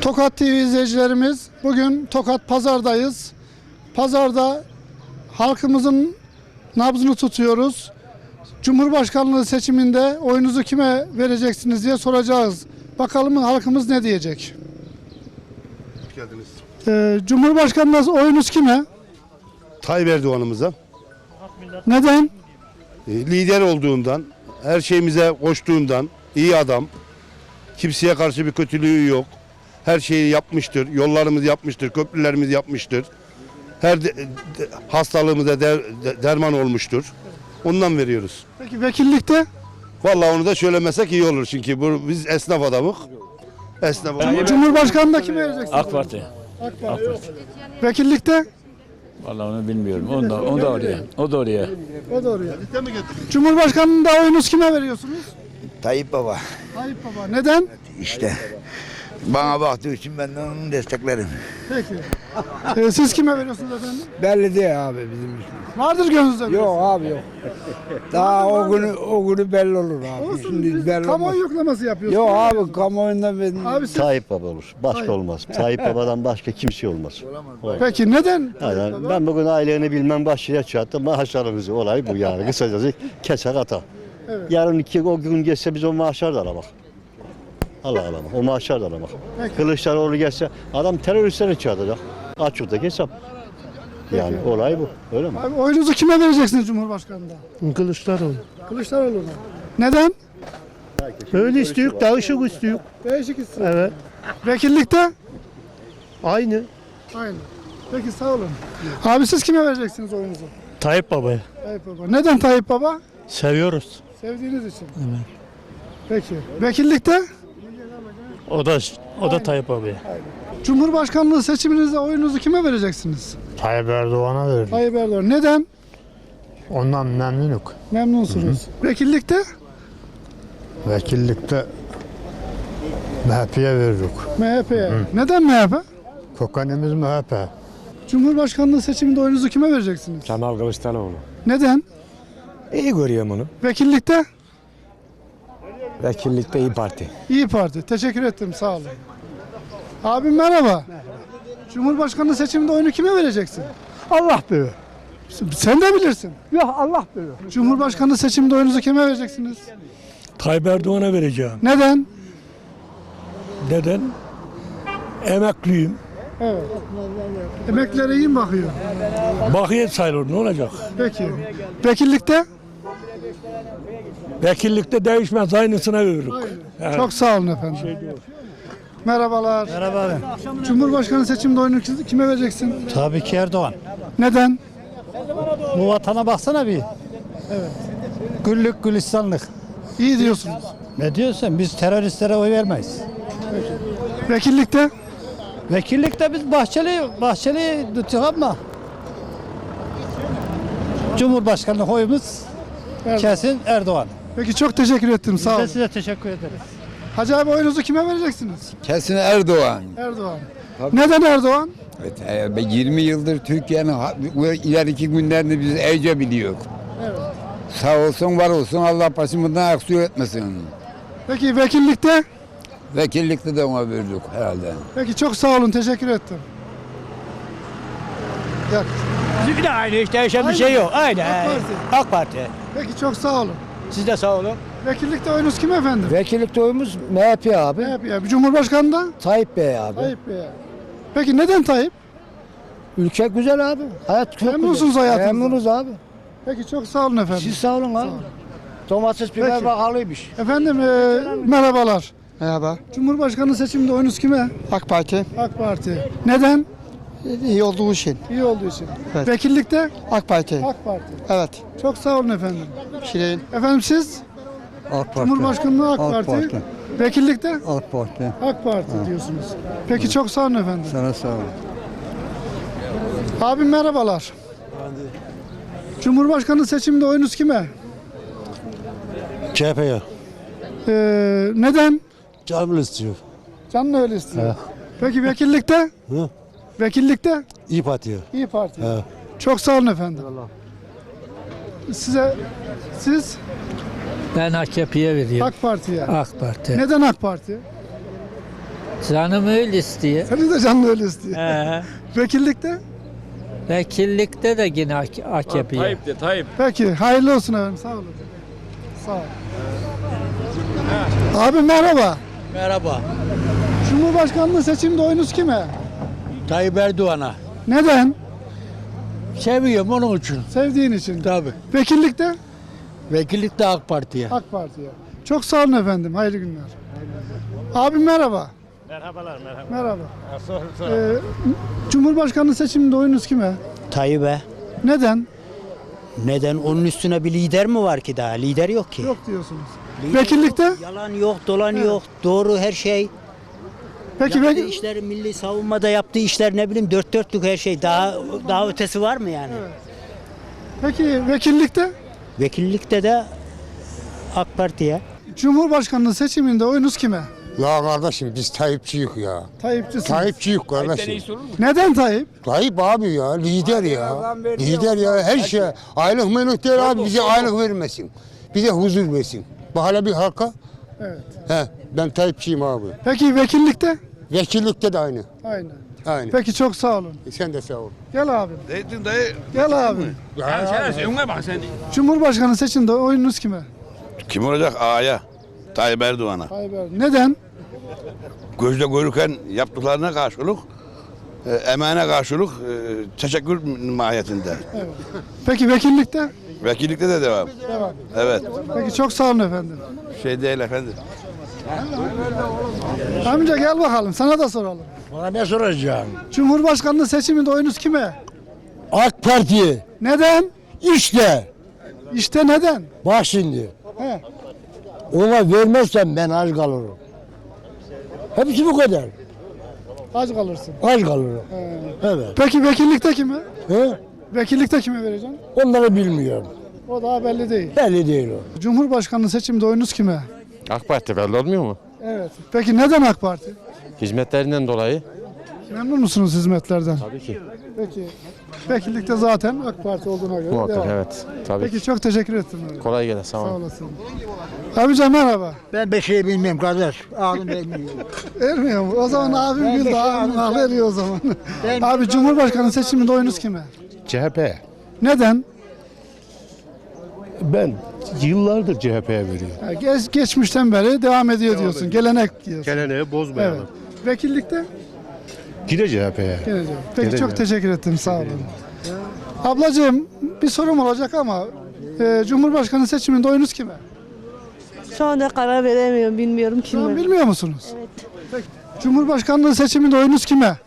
Tokat TV izleyicilerimiz, bugün Tokat Pazar'dayız. Pazarda halkımızın nabzını tutuyoruz. Cumhurbaşkanlığı seçiminde oyunuzu kime vereceksiniz diye soracağız. Bakalım halkımız ne diyecek? Hoş geldiniz. Cumhurbaşkanlığı oyunuz kime? Tayyip Erdoğan'ımıza Neden? lider olduğundan, her şeyimize koştuğundan, iyi adam, kimseye karşı bir kötülüğü yok. Her şeyi yapmıştır, yollarımızı yapmıştır, köprülerimizi yapmıştır. Her hastalığımıza derman olmuştur. Ondan veriyoruz. Peki vekillikte? Vallahi onu da söylemesek iyi olur çünkü biz esnaf adamık. Esnaf Cumhurbaşkanlığında kime vereceksiniz? AK Parti. AK Parti. Vekillikte? Vallahi onu bilmiyorum. O da oraya. O da oraya. O da oraya. Cumhurbaşkanlığında oyunuz kime veriyorsunuz? Tayyip Baba Tayyip Baba. Neden? işte bana baktığı için ben de onu desteklerim. Peki. Siz kime veriyorsunuz efendim? Belli değil abi bizim için. Vardır gönlünüzde. Yok abi yok. Daha o günü belli olur abi. Olsun, Şimdi biz belli kamuoyu olmaz. yoklaması yapıyoruz. Yok abi kamuoyunda ben Abi siz... Tayyip Baba olur. Başka Tayyip. olmaz. Tayyip Baba'dan başka kimse olmaz. Peki neden? Yani ben bugün aileni bilmem başlığa çattım. Maaşlarımızı olay bu yani. Kısacası keser ata. Evet. Yarın o gün geçse biz o maaşlar da alamak. Allah alamak. O maaşlar da alamak. Peki. Kılıçdaroğlu geçse adam teröristleri çağıracak. Açıktaki hesap. Yani olay bu. Öyle mi? Abi oyunuzu kime vereceksiniz Cumhurbaşkanı'nda? Kılıçdaroğlu. Kılıçdaroğlu'na. Neden? Öyle istiyor, değişik istiyor. Değişik isim. Evet. Vekillikte? Aynı. Aynı. Peki sağ olun. Abi siz kime vereceksiniz oyunuzu? Tayyip Baba'ya. Tayyip Baba. Neden Tayyip Baba? Seviyoruz. Sevdiğiniz için. Evet. Peki. Vekillikte? O da Tayyip Baba'ya. Cumhurbaşkanlığı seçiminizde oyunuzu kime vereceksiniz? Tayyip Erdoğan'a verdi. Tayyip Erdoğan. Neden? Ondan memnunuk. Memnunsunuz. Vekillikte? Vekillikte MHP'ye verdik. MHP'ye. Neden MHP? Kökenimiz MHP. Cumhurbaşkanlığı seçiminde oyunuzu kime vereceksiniz? Kemal Kılıçdaroğlu. Neden? İyi görüyorum onu. Vekillikte? Vekillikte İYİ Parti. İyi Parti. Teşekkür ettim. Sağ olun. Abim merhaba. Cumhurbaşkanlığı seçiminde oyunu kime vereceksin? Allah bilir. Sen de bilirsin. Yok Allah bilir. Cumhurbaşkanlığı seçiminde oyunuzu kime vereceksiniz? Tayyip Erdoğan'a vereceğim. Neden? Neden? Emekliyim. Evet. Emeklilere iyi mi bakıyor? Bakiyet sayılır ne olacak? Peki. Vekillikte? Vekillikte değişmez aynısına veririk. Çok sağ olun efendim. Merhabalar. Merhaba abi. Cumhurbaşkanı seçiminde oyunu kime vereceksin? Tabii ki Erdoğan. Neden? Bu vatana baksana bir. Evet. Güllük gülistanlık. İyi diyorsunuz. Ne diyorsun? Biz teröristlere oy vermeyiz. Vekillikte? Vekillikte biz Bahçeli tutuyor ama Cumhurbaşkanlığı oyumuz kesin Erdoğan. Peki çok teşekkür ettim. Sağ Biz de olun. size teşekkür ederiz. Hacı abi oyunuzu kime vereceksiniz? Kesin Erdoğan. Erdoğan. Neden Erdoğan? Evet, 20 yıldır Türkiye'nin ileriki günlerini biz iyice biliyoruz. Sağ olsun var olsun Allah başımızdan aksiyon etmesin. Peki vekillikte? Vekillikte de ona verdik herhalde. Peki çok sağ olun. Teşekkür ettim. Gel. Bizimki de aynı hiç değişen bir şey yok. Aynı. AK Parti. AK Parti. Peki çok sağ olun. Siz de sağ olun. Vekillikte oyunuz kim efendim? Vekillikte oyumuz MHP abi. Bir Cumhurbaşkanı'nda? Tayyip Bey abi. Tayyip Bey. Peki neden Tayyip? Ülke güzel abi. Hayat çok Memnunsunuz güzel. hayatınızdan. Memnunuz abi. Peki çok sağ olun efendim. Siz sağ olun abi. Domates biber Peki. bakalıymış. Efendim merhabalar. Merhaba. Cumhurbaşkanı seçiminde oyunuz kime? AK Parti AK Parti. Neden? iyi olduğu için. İyi olduğu için. Evet. Vekillikte? AK Parti. AK Parti. Evet. Çok sağ olun efendim. Şirin. Efendim siz? AK Cumhurbaşkanlığı AK Parti. Vekillikte? AK Parti. AK Parti diyorsunuz. Peki çok sağ olun efendim. Sana sağ olun. Abim merhabalar. Cumhurbaşkanı seçiminde oyunuz kime? CHP'ye. Neden? Canım istiyor. Canın öyle istiyor. Peki vekillikte? Hı? Vekillikte? İYİ Parti'ye. İyi Parti. Evet. Çok sağ olun efendim. Siz Ben AKP'ye veriyorum. AK Parti'ye. AK Parti. Neden AK Parti? Canım öyle istiyor. Senin de canlı öyle istiyor. He. Vekillikte? Vekillikte de yine AKP'ye. Peki hayırlı olsun efendim. Sağ olun. Sağ ol. Abi merhaba. Merhaba. Cumhurbaşkanlığı seçiminde oyunuz kime? Tayyip Erdoğan'a. Neden? Seviyorum onun için. Sevdiğin için. Tabii. Vekillikte? Vekillik de AK Parti'ye. AK Parti'ye. Çok sağ olun efendim. Hayırlı günler. Abim merhaba. Merhabalar. Merhaba. Cumhurbaşkanlığı seçiminde oyunuz kime? Tayyip'e. Neden? Neden? Onun üstüne bir lider mi var ki daha? Lider yok ki. Yok diyorsunuz. Lider Vekillikte? yok, yalan yok, dolan yok. Doğru her şey. Peki Yaptığı işleri, milli savunmada yaptığı işler ne bileyim dört dörtlük her şey. Daha ötesi var mı yani? Peki vekillikte? Vekillikte de AK Parti'ye. Cumhurbaşkanlığı seçiminde oyunuz kime? Ya kardeşim biz Tayyipçiyiz ya. Tayyipçisiniz. Tayyipçiyiz kardeşim. Neden Tayyip? Tayyip abi ya lider ya. Lider ya her şey. Aylık menük değil abi bize aylık vermesin. Bize huzur versin. Bu hala bir halka. Evet. He, ben Tayyipçiyim abi. Peki vekillikte? Vekillikte de aynı. Aynen. Aynı. Peki çok sağ olun. Sen de sağ ol. Gel abi. Gel abi. Cumhurbaşkanı seçiminde oyunuz kime? Kim olacak? Ağaya. Tayyip Erdoğan'a. Tayyip Erdoğan. Neden? Gözde görürken yaptıklarına karşılık, emeğine karşılık teşekkür mahiyetinde. Peki vekillikte? Vekillikte de devam. Devam. Evet. Peki çok sağ olun efendim. Şey değil efendim. Amca gel bakalım sana da soralım. Bana ne soracağım? Cumhurbaşkanlığı seçiminde oyunuz kime? AK Parti. Neden? İşte. İşte neden? Bak şimdi. He. Ona vermezsem ben aç kalırım. Hepsi bu kadar. Aç kalırsın. Aç kalırım. Evet. Peki vekillikte kime? He? Vekillikte kime vereceksin? Onları bilmiyorum. O daha belli değil. Belli değil o. Cumhurbaşkanlığı seçiminde oyunuz kime? AK Parti belli olmuyor mu? Evet. Peki neden AK Parti? Hizmetlerinden dolayı. Memnun musunuz hizmetlerden? Tabii ki. Peki. Vekillikte zaten AK Parti olduğuna göre Muhakkak devam. evet. Tabii Peki ki. çok teşekkür ettim. Kolay gelsin. Sağ Sağ olun. olasın. Abica merhaba. Ben bir şey bilmiyorum kardeş. Ağzım vermiyor. Ermiyor mu? O zaman abim güldü. Abim hak veriyor o zaman. Abi Cumhurbaşkanı seçiminde oyunuz kime? CHP. Neden? Ben yıllardır CHP'ye veriyorum. Ha, geçmişten beri devam ediyor diyorsun. Gelenek diyorsun. Geleneği bozmayalım. Evet. Vekillikte? Gide CHP'ye. Geleceğim. Peki Geleceğim. çok teşekkür ettim. Sağ olun. Ablacığım bir sorum olacak ama Cumhurbaşkanı seçiminde oyunuz kime? Şu anda karar veremiyorum, bilmiyorum Şu an kime. bilmiyor musunuz? Evet. Peki. Cumhurbaşkanlığı seçiminde oyunuz kime?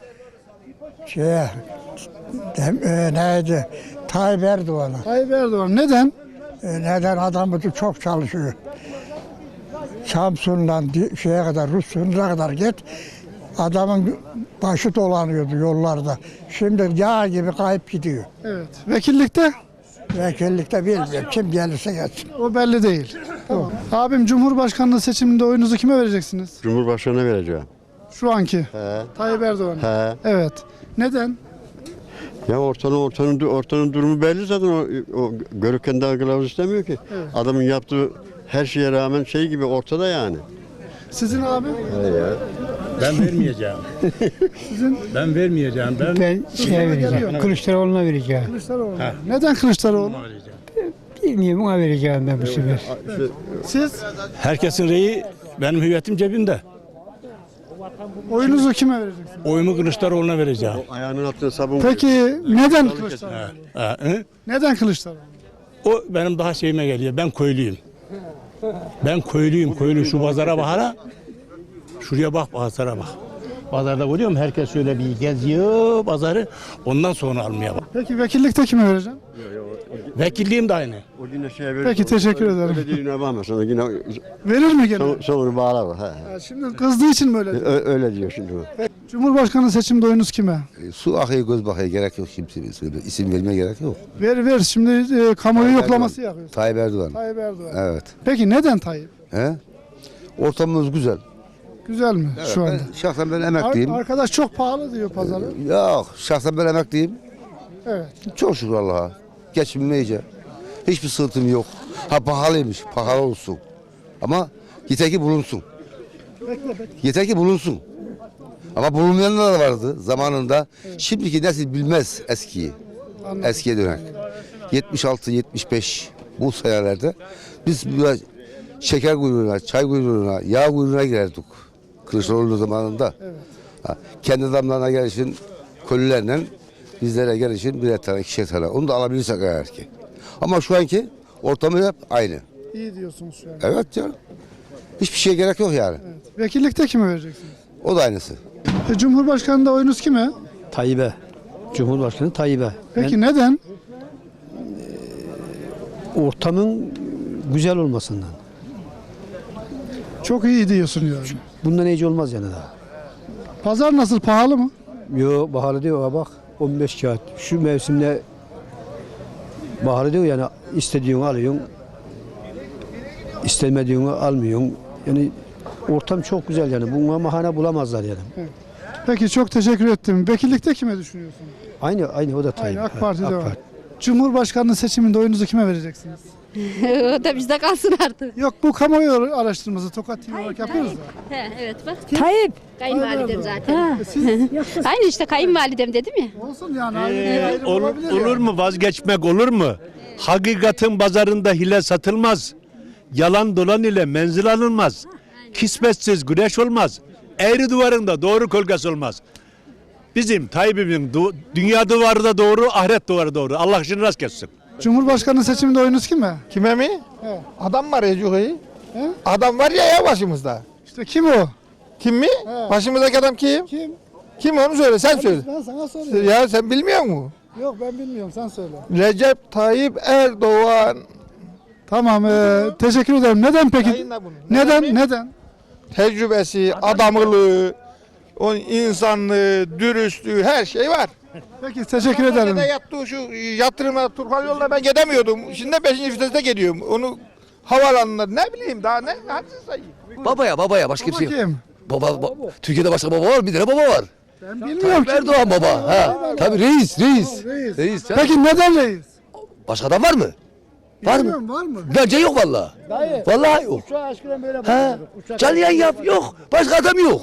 Neydi? Tayyip Erdoğan'a. Tayyip Erdoğan. Neden? Neden adamı çok çalışıyor. Samsun'dan şeye kadar, Rus sınırına kadar git. Adamın başı dolanıyordu yollarda. Şimdi yağ gibi kayıp gidiyor. Evet. Vekillikte? Vekillikte bilmiyorum. Kim gelirse gelsin. O belli değil. Tamam. Abim Cumhurbaşkanlığı seçiminde oyunuzu kime vereceksiniz? Cumhurbaşkanına vereceğim. Şu anki. He. Tayyip Erdoğan. He. Evet. Neden? Ya ortanın durumu belli zaten o görürken daha kılavuz istemiyor ki. Evet. Adamın yaptığı her şeye rağmen şey gibi ortada yani. Sizin abi? Ben vermeyeceğim. Ben vermeyeceğim. Ben Vereceğim. Kılıçdaroğlu'na vereceğim. Kılıçdaroğlu. Neden Kılıçdaroğlu? Bilmiyorum ona vereceğim ben bu sefer. Siz herkesin reyi benim hüviyetim cebimde. oyunuzu kime vereceksiniz? Oyumu Kılıçdaroğlu'na vereceğim. Ayağının altına sabun. Peki neden Kılıçdaroğlu? Hı? Neden Kılıçdaroğlu? O benim daha şeyime geliyor. Ben köylüyüm. Ben köylüyüm. Köylü şu pazara bak hala. Şuraya bak pazara bak. Pazarda görüyor musun? Herkes şöyle bir geziyor pazarı. Ondan sonra almaya bak. Peki vekillikte kime vereceğim? Vekilliğim de aynı. O yine şeye verir. Peki teşekkür ederim. Öyle değil ne bakma sana yine Verir mi gene? sonunu bağlar. He. Ha, şimdi kızdığı için mi öyle diyor? Öyle diyor şimdi o. Cumhurbaşkanı seçimde oyunuz kime? Su akıyor göz bakıyor gerek yok kimse. İsim vermeye gerek yok. Ver şimdi kamuoyu yoklaması yapıyorsun. Tayyip Erdoğan. Tayyip Erdoğan. Evet. Peki neden Tayyip? He? Ortamımız güzel. Güzel mi şu anda? Şahsen ben emekliyim. Arkadaş çok pahalı diyor pazarı. Yok şahsen ben emekliyim. Evet. Çok şükür Allah'a. Geçimim iyice. Hiçbir sıkıntım yok. Ha pahalıymış. Pahalı olsun. Ama yeter ki bulunsun. Yeter ki bulunsun. Ama bulunmayanlar da vardı zamanında. Şimdiki nesil bilmez eskiyi. Eskiye dönen. 76-75 bu senelerde biz böyle şeker kuyruğuna, çay kuyruğuna, yağ kuyruğuna girerdik. Kılıçdaroğlu zamanında. Ha, kendi adamlarına gelişin kolilerle bizlere gelişin birer tane, ikişer tane. Onu da alabilirsek eğer ki. Ama şu anki ortamı hep aynı. İyi diyorsunuz şu an. Evet canım. Hiçbir şeye gerek yok yani. Evet. Vekillikte kime vereceksiniz? O da aynısı. Cumhurbaşkanı'nda oyunuz kime? Tayyip'e. Cumhurbaşkanı Tayyip'e. Peki neden? Ortamın güzel olmasından. Çok iyi diyorsun yani. Bundan iyice olmaz yani daha. Pazar nasıl, pahalı mı? Yo baharı diyor ha bak 15 kağıt. Şu mevsimde baharı diyor yani istediğini alıyorsun. İstemediğini almıyorsun. Yani ortam çok güzel yani. Buna mahane bulamazlar yani. Peki çok teşekkür ettim. Vekillikte kime düşünüyorsun? Aynı o da Tayyip. Aynı AK Parti'de var. Cumhurbaşkanlığı seçiminde oyunuzu kime vereceksiniz? o da bizde kalsın artık. Yok, bu kamuoyu araştırması Tokat TV olarak yapıyoruz da. Evet bak. Tayyip. Kayınvalidem zaten. Aynı işte kayınvalidem dedim ya. Olsun yani. ayrı olabilir Olur yani. mu vazgeçmek olur mu? Hakikatin pazarında hile satılmaz. Yalan dolan ile menzil alınmaz. Kismetsiz güneş olmaz. Eğri duvarında doğru kölgesi olmaz. Bizim Tayyip'imin dünya duvarı da doğru, ahiret duvarı doğru. Allah işini rast kessin. Cumhurbaşkanlığı seçiminde oyunuz kime? Kime mi? He. Adam var ya Cühey. He? Adam var ya başımızda. İşte kim o? Kim mi? He. Başımızdaki adam kim? Kim? Kim onu söyle sen söyle. Ben sana soruyorum. Ya sen bilmiyor musun? Yok, ben bilmiyorum, sen söyle. Recep Tayyip Erdoğan. Tamam, teşekkür ederim. Neden peki? Yayınla bunu. Neden? Tecrübesi, adamlığı, o insanlığı, dürüstlüğü her şey var. Peki teşekkür ederim. Yattığı şu yatırımla Turhal yoluna ben gidemiyordum. Şimdi 5. viteste gidiyorum. Onu havaalanında ne bileyim daha ne hadsiz sayayım. Babaya başka Baba kim? Baba, Türkiye'de başka baba var, bir tane baba var. Ben bilmiyorum ki. Erdoğan baba. Ha. Tabii reis. Reis. Peki neden reis? Başka adam var mı? Bilmiyorum, var mı? Bence yok vallahi. Vallahi yok. Ha. Canlı yayın yap, yok. Başka adam yok.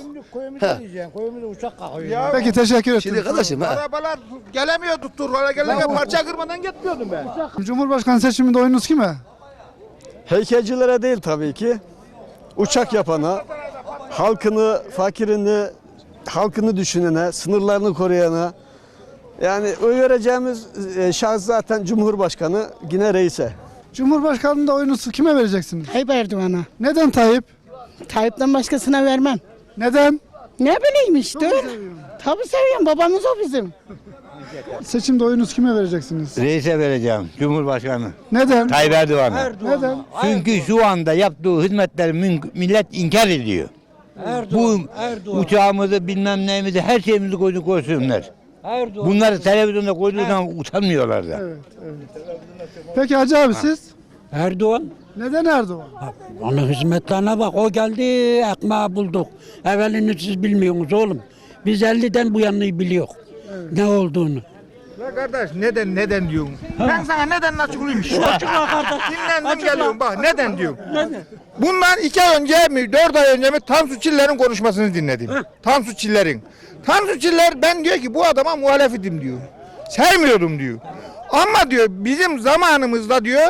Peki teşekkür ederim. Şimdi kardeşim ha. Arabalar gelemiyordu Turhal'a gelemiyor. Parça kırmadan gitmiyordum ben. Cumhurbaşkanı seçiminde oyunuz kime? Heykelcilere değil tabii ki. Uçak yapana, halkını, fakirini, halkını düşünene, sınırlarını koruyana. Yani oy vereceğimiz şahıs zaten Cumhurbaşkanı, yine reise. Cumhurbaşkanlığında oyunuzu kime vereceksiniz? Tayyip Erdoğan'a. Neden Tayyip? Tayyip'ten başkasına vermem. Neden? Ne bileyim işte. Çok seviyorum. Tabii seviyorum. Babamız o bizim. Seçimde oyunuzu kime vereceksiniz? Reise vereceğim. Cumhurbaşkanı. Neden? Tayyip Erdoğan'a. Neden? Çünkü şu anda yaptığı hizmetleri millet inkar ediyor. Bu uçağımızı bilmem neyimizi her şeyimizi koysunlar. Bunları televizyonda koyduğu zaman utanmıyorlar da. Evet. Peki Hacı abi siz? Erdoğan. Neden Erdoğan? Onun hizmetlerine bak. O geldi, ekmeği bulduk. Evvelini siz bilmiyorsunuz oğlum. Biz 50'den bu yanını biliyor. Ne olduğunu. Ya kardeş neden diyorum. Ben sana neden açıklayayım. Açıkla kardeş. Dinlendim geliyorum bak neden diyorum. Bundan 2 ay önce mi 4 ay önce mi Tansu Çiller'in konuşmasını dinledim. Tansu Çiller'in. Tansu Çiller ben diyor ki bu adama muhalefetim diyor. Sevmiyordum diyor. Ama diyor bizim zamanımızda diyor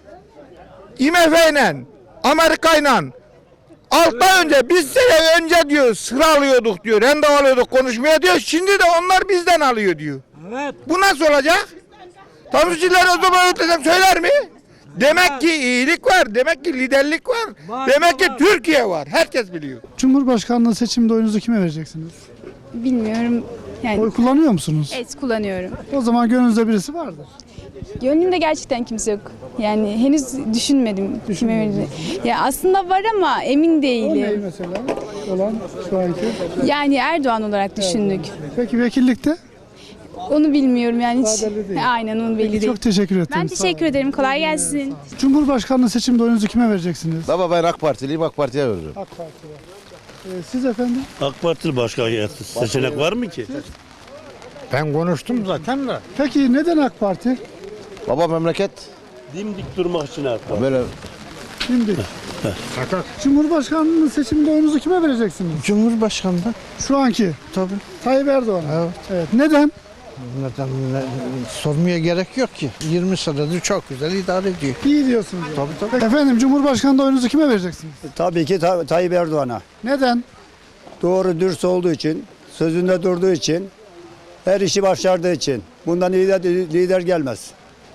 IMF'yle Amerika'yla 6 ay önce biz sene önce diyor sıra alıyorduk diyor. Randevu alıyorduk konuşmaya diyor. Şimdi de onlar bizden alıyor diyor. Evet. Bu nasıl olacak? Tansu Çiller o zaman ötesem söyler mi? Demek ki iyilik var. Demek ki liderlik var. Demek ki Türkiye var. Herkes biliyor. Cumhurbaşkanlığı seçiminde oyunuzu kime vereceksiniz? Bilmiyorum. Yani Oy kullanıyor musunuz? et kullanıyorum. O zaman gönlünüzde birisi vardır. Gönlümde gerçekten kimse yok. Yani henüz düşünmedim kime vereceğim. Ya aslında var ama emin O ne değilim. mesela? Olan şu anki. Yani Erdoğan olarak düşündük. Peki vekillikte? Onu bilmiyorum yani hiç. Daha belli değil. Aynen onu belli Peki, değil. çok teşekkür ederim. Ben teşekkür ederim. Kolay gelsin. Cumhurbaşkanlığı seçiminde oyunuzu kime vereceksiniz? Baba ben AK Partiliyim, AK Parti'ye veririm. AK Parti'ye. Siz efendim? AK Partili başka seçenek var mı ki? Ben konuştum zaten de. Peki neden AK Parti? Baba memleket Dimdik durmak için AK Parti. böyle Şimdi Cumhurbaşkanlığı seçiminde oyunuzu kime vereceksiniz? Cumhurbaşkanı Şu anki. tabii. Tayyip Erdoğan. Evet. Evet. Neden? Neden sormaya gerek yok ki. 20 senedir çok güzel idare ediyor. İyi diyorsunuz. Tabii tabii. Efendim Cumhurbaşkanlığı oyunuzu kime vereceksiniz? Tabii ki Tayyip Erdoğan'a. Neden? Doğru dürüst olduğu için, sözünde durduğu için, her işi başardığı için. Bundan lider gelmez.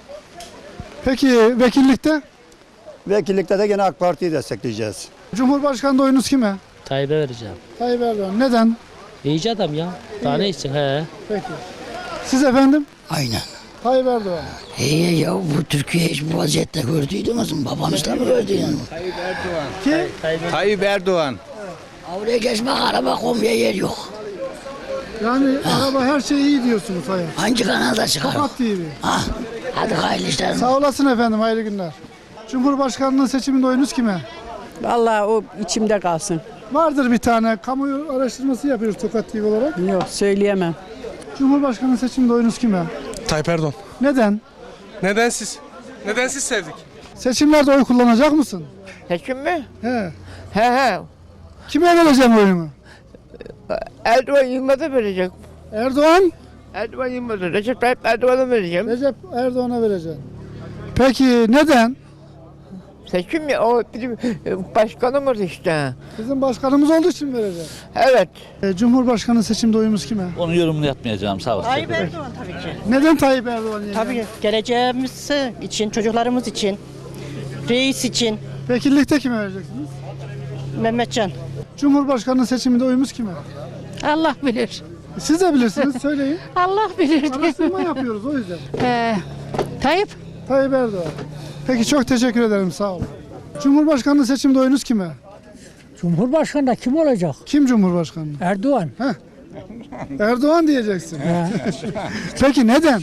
Peki vekillikte? Vekillikte de gene AK Parti'yi destekleyeceğiz. Cumhurbaşkanlığı oyunuz kime? Tayyip'e vereceğim. Tayyip Erdoğan. Neden? İyice adam ya. Daha ne için he? Peki. Siz efendim? Aynen. Tayyip Erdoğan. İyi ya bu Türkiye hiç bu vaziyette gördüydünüz mü? Babanızda mı gördüydünüz? Ki Tayyip Erdoğan. Oraya geçmek araba koymaya yer yok. yani araba her şey iyi diyorsunuz hayat. Hangi kanalda çıkar? Tokat TV. Ha, hadi hayırlı işler. Sağ olasın efendim. Hayırlı günler. Cumhurbaşkanlığı seçiminde oyunuz kime? Vallahi o içimde kalsın. Vardır bir tane. Kamuoyu araştırması yapıyoruz Tokat TV olarak. Yok söyleyemem. Cumhurbaşkanlığı seçiminde oyunuz kime? Tayyip Erdoğan. Neden? Neden siz? Neden siz sevdik? Seçimlerde oy kullanacak mısın? Seçim mi? He. He. Kime vereceğim oyunu? Erdoğan Yılmaz'a verecek. Erdoğan? Erdoğan Yılmaz'a. Recep Tayyip Erdoğan'a vereceğim. Recep Erdoğan'a vereceğim. Peki neden? Seçim mi? O bizim başkanımız işte. Bizim başkanımız olduğu için vereceğim. Evet. Cumhurbaşkanı seçimde oyumuz kime? Onu yorumunu yapmayacağım sağ olsun. Tayyip Erdoğan tabii ki. Neden Tayyip Erdoğan? Tabii geleceğimiz için, çocuklarımız için, reis için. Vekillikte kime vereceksiniz? Mehmetcan. Cumhurbaşkanı seçiminde oyumuz kime? Allah bilir. Siz de bilirsiniz söyleyin. Allah bilir. Araştırma yapıyoruz o yüzden. Tayyip. Tayyip Erdoğan. Peki çok teşekkür ederim sağ olun. Cumhurbaşkanlığı seçiminde oyunuz kime? Cumhurbaşkanı da kim olacak? Kim Cumhurbaşkanı? Erdoğan. Erdoğan diyeceksin. Peki neden?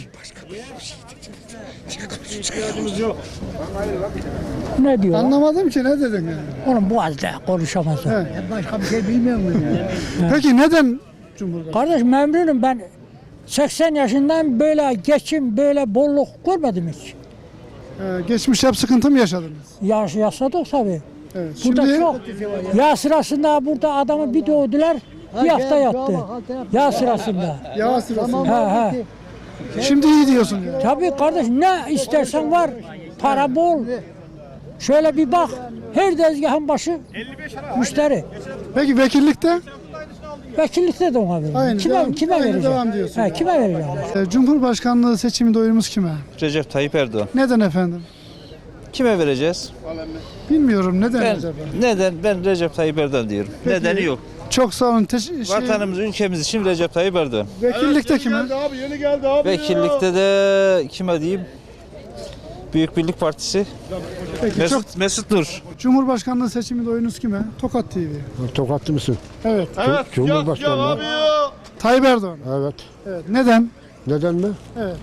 Ne diyor? Anlamadım ki ne dedin yani. Oğlum bu azda konuşamaz. Başka bir şey bilmiyor muyum ya? Peki neden Cumhurbaşkanı? Kardeş memnunum ben. 80 yaşından böyle geçim, böyle bolluk görmedim hiç. Geçmiş hep sıkıntı mı yaşadınız? Yaşadık tabii. Evet. Burada Şimdi çok. Yağ sırasında burada adamı bir doğdular, bir hafta yattı. Yağ sırasında. yağ sırasında. He. Şimdi iyi diyorsun ya. Tabii kardeş ne istersen var. Para bol. Şöyle bir bak. Her tezgahın başı müşteri. Peki vekillikte? Vekillikte de ona Aynı, vereceğim. devam- Kime aynı vereceğim? devam diyorsun. Kime vereceğim? Cumhurbaşkanlığı seçiminde oyumuz kime? Recep Tayyip Erdoğan. Neden efendim? Kime vereceğiz? Bilmiyorum neden acaba? Neden? Ben Recep Tayyip Erdoğan diyorum. Peki. Nedeni yok. Çok sağ olun. Vatanımız, ülkemiz için Recep Tayyip Erdoğan. Vekillikte kime? Vekillikte de kime diyeyim? Büyük Birlik Partisi. Peki, Mesut Nur. Cumhurbaşkanlığı seçiminde oyunuz kime? Tokat TV. Tokatlı mısın? Evet. Cumhurbaşkanı. Tayyip Erdoğan. Evet. Evet. Neden? Neden mi? Evet.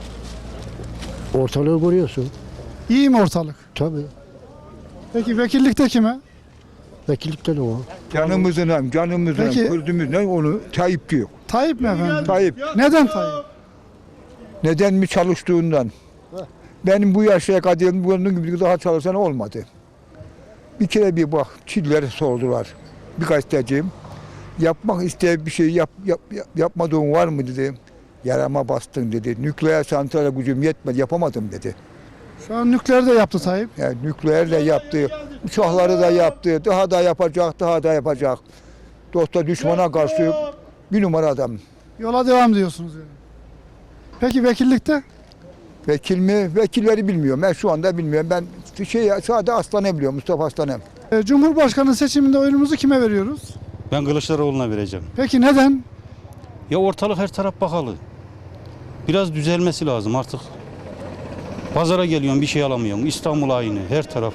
Ortalığı görüyorsun. İyi mi ortalık? Tabii. Peki vekillikte kime? Vekillikte de o. Canımızın, Peki. Kürdümüzden onu Tayyip diyor. Tayyip mi efendim? Tayyip. Neden Tayyip? Neden mi çalıştığından? Benim bu yaşa kadar bunun gibi daha çalışan olmadı. Bir kere bir bak, Çilleri sordular. Bir gazeteciyim. Yapmak istediği bir şey yapmadığın var mı dedi. Yarama bastın dedi. Nükleer santrale gücüm yetmedi, yapamadım dedi. Şu an nükleer de yaptı Tayyip. Yani nükleer de yaptı, uçakları da yaptı, daha da yapacak, daha da yapacak. Dosta düşmana karşı bir numara adam. Yola devam diyorsunuz yani. Peki vekillikte? Vekil mi? Vekilleri bilmiyorum. Ben şu anda bilmiyorum. Ben sadece Aslan'ı biliyorum, Mustafa Aslan'ı. Cumhurbaşkanı seçiminde oyunumuzu kime veriyoruz? Ben Kılıçdaroğlu'na vereceğim. Peki neden? Ya ortalık her taraf bakalı. Biraz düzelmesi lazım artık. Pazara geliyorsun bir şey alamıyorsun. İstanbul aynı her taraf.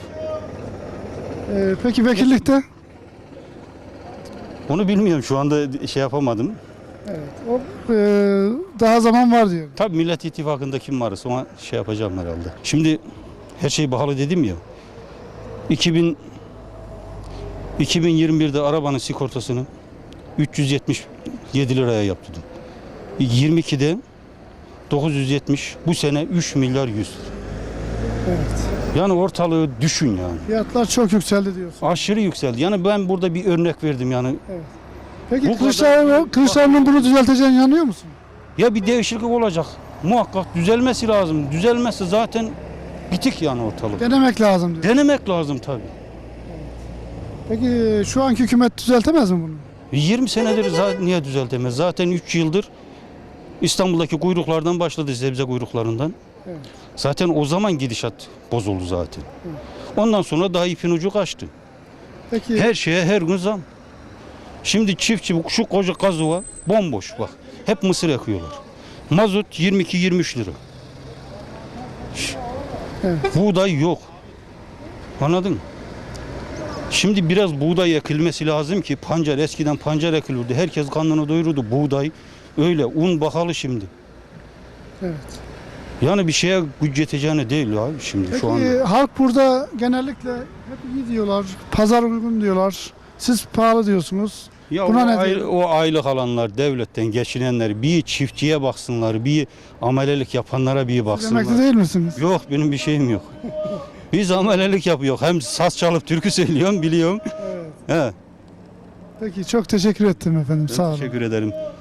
Peki vekillikte? Onu bilmiyorum şu anda şey yapamadım. Evet. O, daha zaman var diyor. Tabii Millet İttifakı'nda kim varsa ona şey yapacağım herhalde. Şimdi her şey pahalı dedim ya. 2021'de arabanın sigortasını 377 liraya yaptırdım. 22'de 970, bu sene 3 milyar 100. Yani ortalığı düşün yani. Fiyatlar çok yükseldi diyorsun. Aşırı yükseldi. Yani ben burada bir örnek verdim yani. Peki Bu Kılıçdaroğlu'nun bunu düzelteceğine inanıyor musun? Ya bir değişiklik olacak. Muhakkak düzelmesi lazım. Düzelmezse zaten bitik yani ortalık. Denemek lazım diyor. Denemek lazım tabii. Peki şu anki hükümet düzeltemez mi bunu? 20 senedir niye düzeltemez? Zaten 3 yıldır İstanbul'daki kuyruklardan başladı, sebze kuyruklarından. Evet. Zaten o zaman gidişat bozuldu zaten. Ondan sonra daha ipin ucu kaçtı. Peki Her şeye her gün zam. Şimdi çiftçi şu koca kazıva bomboş bak. Hep mısır ekiyorlar. Mazot 22-23 lira. Buğday yok. Anladın mı? Şimdi biraz buğday ekilmesi lazım ki eskiden pancar ekilirdi. Herkes karnını doyururdu. Buğday öyle un pahalı şimdi. Evet. Yani bir şeye güç yeteceğine değil ya şimdi Peki şu anda. halk burada genellikle hep iyi diyorlar. Pazar uygun diyorlar. Siz pahalı diyorsunuz. Ya Buna o, ne diyor? o aylık alanlar, devletten geçinenler bir çiftçiye baksınlar, bir amelelik yapanlara bir Siz baksınlar. emekli değil misiniz? Yok benim bir şeyim yok. Biz amelelik yapıyoruz. Hem saz çalıp türkü söylüyorum biliyorum. Evet. He, Peki çok teşekkür ettim efendim. Sağ olun. teşekkür ederim.